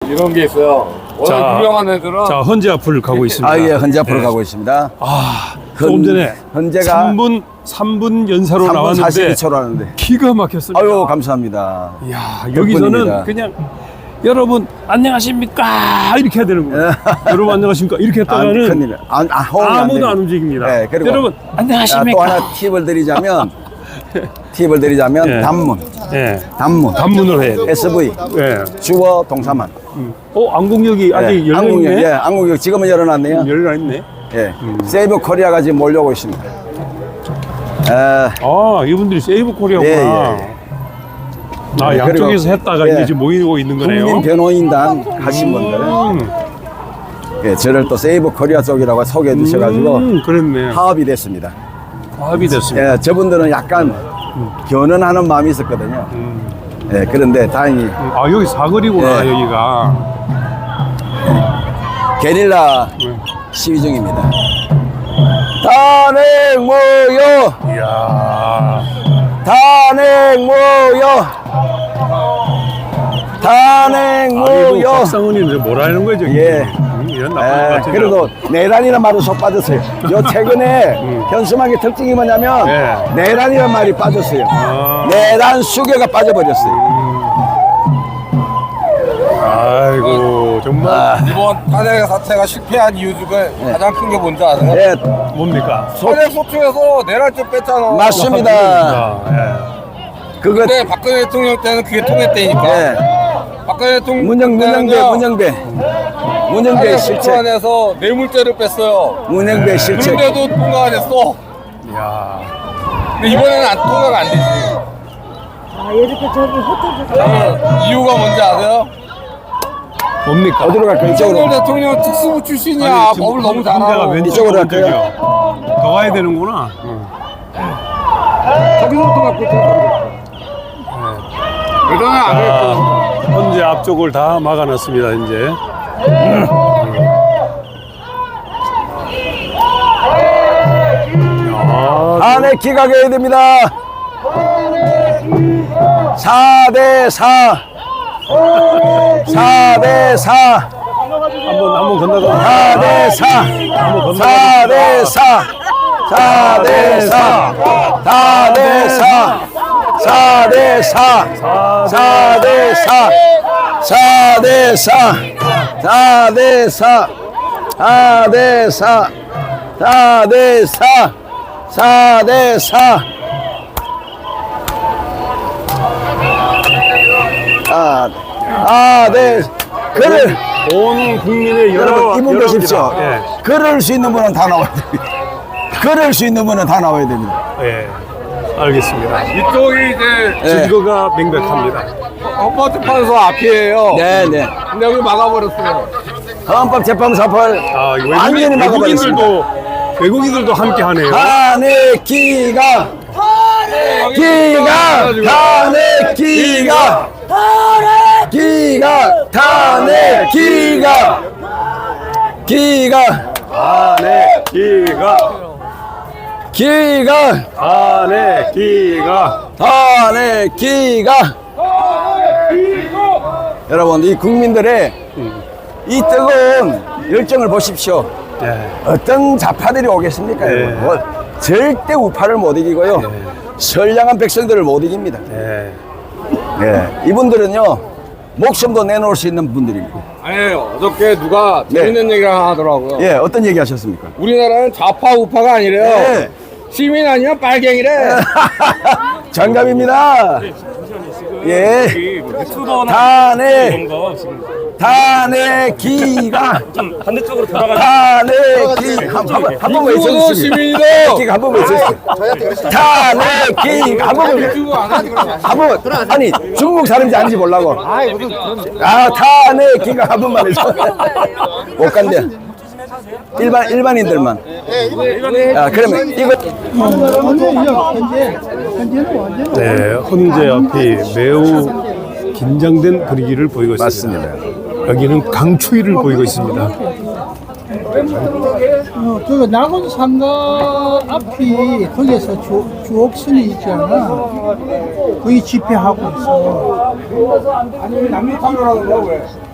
이런 게 있어요. 워낙 유명한 애들은. 자, 헌재 앞을 가고 있습니다. 아, 예, 헌재 앞으로 가고 있습니다. 조금 전에 헌재가 3분 연사로 3분 나왔는데 42초로 하는데. 기가 막혔습니다. 아유, 감사합니다. 이야, 여기서는 그냥 여러분 안녕하십니까 이렇게 해야 되는 거예요. 여러분 안녕하십니까 이렇게 했다가는 큰일. 아무도 안 움직입니다. 네, 그리고 여러분 안녕하십니까. 또 하나 팁을 드리자면 예. 단문. 예. 단문을 해야 돼요. SV. 예. 주어 동사만. 안국역이 아직 열려있네. 예, 안국역 지금은 열어놨네요. 열려있네. 예. 세이브 코리아가 지금 몰려오고 있습니다. 이분들이 세이브 코리아구나. 예. 양쪽에서 했다가 이제 지금 모이고 있는 거네요. 국민 변호인단 하신 분들. 예, 저를 또 세이브 코리아 쪽이라고 소개해 주셔가지고 그랬네. 파업이 됐습니다. 파업이 됐습니다. 예, 저분들은 약간 견언하는 마음이 있었거든요. 예, 그런데 다행히 여기 사거리구나. 예. 여기가 게릴라 시위 중입니다. 탄핵 모여! 이야. 탄핵 모여! 탄핵 모여! 박상훈이 뭐라는 거죠? 예. 이런 나쁜 것 그래도 내란이라는 말을 속 빠졌어요. 요 최근에 현수막의 특징이 뭐냐면 예. 내란이라는 말이 빠졌어요. 내란 수교가 빠져버렸어요. 아이고 정말 이번 탄핵 사태가 실패한 이유 중에 가장 큰 게 뭔지 아세요? 예, 뭡니까? 탄핵 소추에서 내란죄 뺐잖아. 맞습니다. 예. 그거 근데 박근혜 대통령 때는 그게 통했대니까. 예. 박근혜 대통령 문영배 탄핵 실책. 소추 안에서 뇌물죄를 뺐어요. 문영배 실책. 그런데도 통과 안 했어. 이야. 근데 이번에는 통과가 안 되지. 이렇게 저기 흩어져서 이유가 뭔지 아세요? 뭡니까? 어디로 갈까요? 윤석열 이쪽으로. 대통령 특수부 출신이야. 법을 너무 잘 알아. 이쪽으로 할까요? 더 가야 되는구나. 저기서부터 갖고 예전에 안 그랬고. 현재 앞쪽을 다 막아놨습니다. 이제. 탄핵 기각해야 됩니다. 4대4. 4대4. 한번 건너가. 4대4. 4대4. 4대4. 4대4. 4대4. 4대4. 4대4. 4대4. 4대4. 4대4. 4대4. 네. 글을 온 국민의 여러분 이분 보십시오. 예. 걸을 수 있는 분은 다 나와야 됩니다. 걸을 수 있는 분은 다 나와야 됩니다. 예. 알겠습니다. 이쪽이 이제 증거가 명백합니다. 헌법재판소 앞이에요. 네네. 근데 여기 막아버렸어요. 헌법재판소를 완전히 막아버렸습니다. 외국인들도 함께 하네요. 탄핵 기각! 기각! 탄핵 기각! 기각! 탄핵 기각! 기각! 탄핵 기각! 기각! 탄핵 기각! 탄핵 기각! 여러분, 이 국민들의 이 뜨거운 열정을 보십시오. 예. 어떤 좌파들이 오겠습니까? 네. 여러분? 뭐, 절대 우파를 못 이기고요. 선량한 백성들을 못 이깁니다. 예. 예, 이분들은요, 목숨도 내놓을 수 있는 분들입니다. 아니에요. 어저께 누가 재밌는 얘기를 하나 하더라고요. 예, 어떤 얘기 하셨습니까? 우리나라는 좌파 우파가 아니래요. 예. 시민 아니면 빨갱이래. 정답입니다. 예. 탄핵 기각. 반대쪽으로 돌아가. 탄핵 기각. 한 번만 이거도 외쳐주세요. 시민이도. 기각 한 번만 외쳐주세요. 탄핵 기각. 한 번만. 한 번. 아니, 중국 사람인지 아닌지 모르고. 탄핵 기각 한 번만 해줘. 못 간대. 일반인들만. 그러면 이거. 네, 헌재 앞이 매우 긴장된 분위기를 보이고 있습니다. 맞습니다. 여기는 강추위를 보이고 있습니다. 그 낙원 상가 앞이 거기에서 주옥선이 있잖아. 거기 집회하고 있어. 아니 남미 카메라로 왜?